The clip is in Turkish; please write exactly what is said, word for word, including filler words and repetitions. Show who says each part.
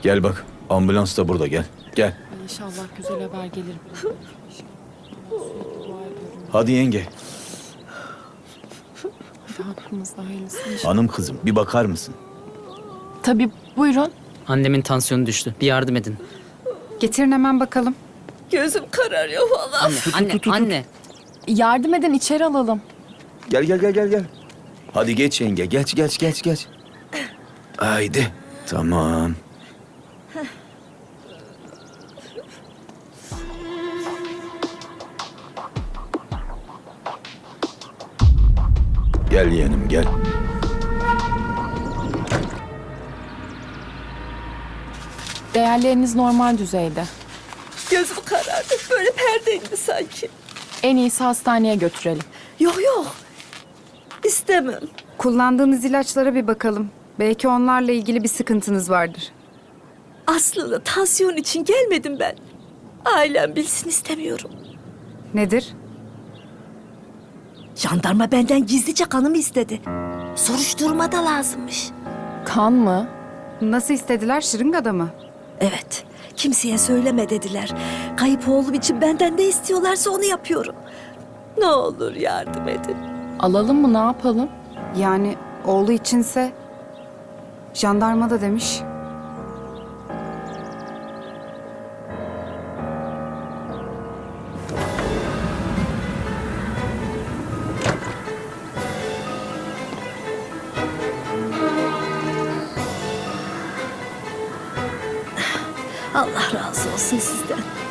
Speaker 1: Gel bak, ambulans da burada, gel. Gel.
Speaker 2: Ay İnşallah güzel haber gelir.
Speaker 1: Hadi yenge.
Speaker 2: Hadi hakkımızda hayırlısı inşallah.
Speaker 1: Hanım kızım, bir bakar mısın?
Speaker 2: Tabii buyurun.
Speaker 3: Annemin tansiyonu düştü. Bir yardım edin.
Speaker 4: Getirin hemen bakalım.
Speaker 5: Gözüm kararıyor valla.
Speaker 3: Anne, anne, anne.
Speaker 2: Yardım edin içeri alalım.
Speaker 1: Gel, gel, gel, gel, gel. Hadi geç yenge, geç, geç, geç, geç. Haydi. Tamam. Gel yeğenim, gel.
Speaker 2: Değerleriniz normal düzeyde.
Speaker 5: Gözüm karardı. Böyle perde indi sanki.
Speaker 2: En iyisi hastaneye götürelim.
Speaker 5: Yok yok. İstemem.
Speaker 4: Kullandığınız ilaçlara bir bakalım. Belki onlarla ilgili bir sıkıntınız vardır.
Speaker 5: Aslında tansiyon için gelmedim ben. Ailem bilsin istemiyorum.
Speaker 4: Nedir?
Speaker 5: Jandarma benden gizlice kanımı istedi. Soruşturma da lazımmış.
Speaker 2: Kan mı?
Speaker 4: Nasıl istediler? Şırıngada mı?
Speaker 5: Evet. Kimseye söyleme dediler. Kayıp oğlum için benden ne istiyorlarsa onu yapıyorum. Ne olur yardım edin.
Speaker 2: Alalım mı ne yapalım?
Speaker 4: Yani oğlu içinse jandarma da demiş.
Speaker 5: Allah razı olsun sizden.